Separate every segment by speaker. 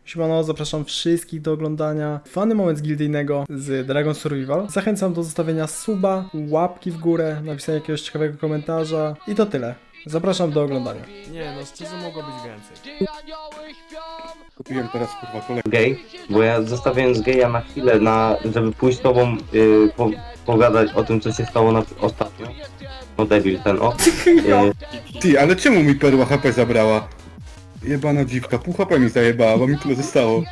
Speaker 1: Siemano, zapraszam wszystkich do oglądania Fany Moment Gildyjnego z Dragon Survival. Zachęcam do zostawienia suba, łapki w górę, napisania jakiegoś ciekawego komentarza i to tyle. Zapraszam do oglądania.
Speaker 2: Nie no, szczerze mogło być więcej.
Speaker 3: Kupiłem teraz kurwa kolejny.
Speaker 4: Gej, bo ja zostawiając geja na chwilę, żeby pójść z tobą pogadać o tym, co się stało ostatnio. No debil ten, o.
Speaker 3: Ty, ale czemu mi perła HP zabrała? Jebana dziwka, pół HP mi zajebała, bo mi tyle zostało.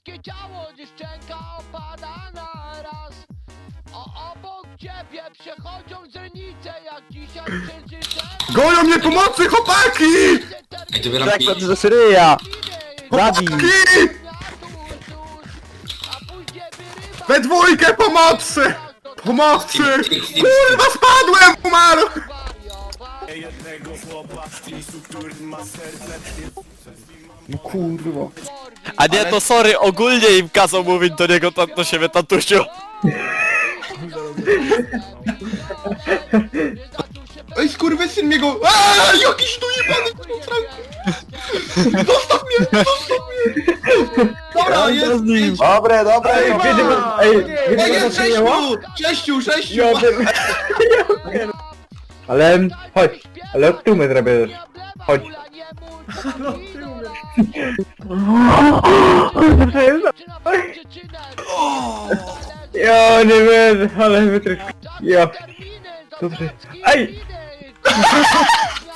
Speaker 3: Goją mnie pomocy, chłopaki!
Speaker 5: Ej, to bieram
Speaker 6: Tak, to z ryja! Zabij!
Speaker 3: Chłopaki! We dwójkę pomocy! Pomocy! Kurwa, spadłem! Umarł! No kurwa.
Speaker 6: A nie, to sorry, ogólnie im kazał mówić do niego do siebie tatusiu.
Speaker 3: Ej, skurwysyn mnie go... Aaaa, jakiś tu jebany kurwa! Zostaw mnie! Zostaw mnie! Dobra, jest!
Speaker 6: Dobre, dobre,
Speaker 3: Ej, jest sześciu! Sześciu!
Speaker 6: Ale chodź, ale od tyłu mnie zrobisz. Chodź. Ja nie wiem, ale wytrysk. Ja. Dobrze. Ej!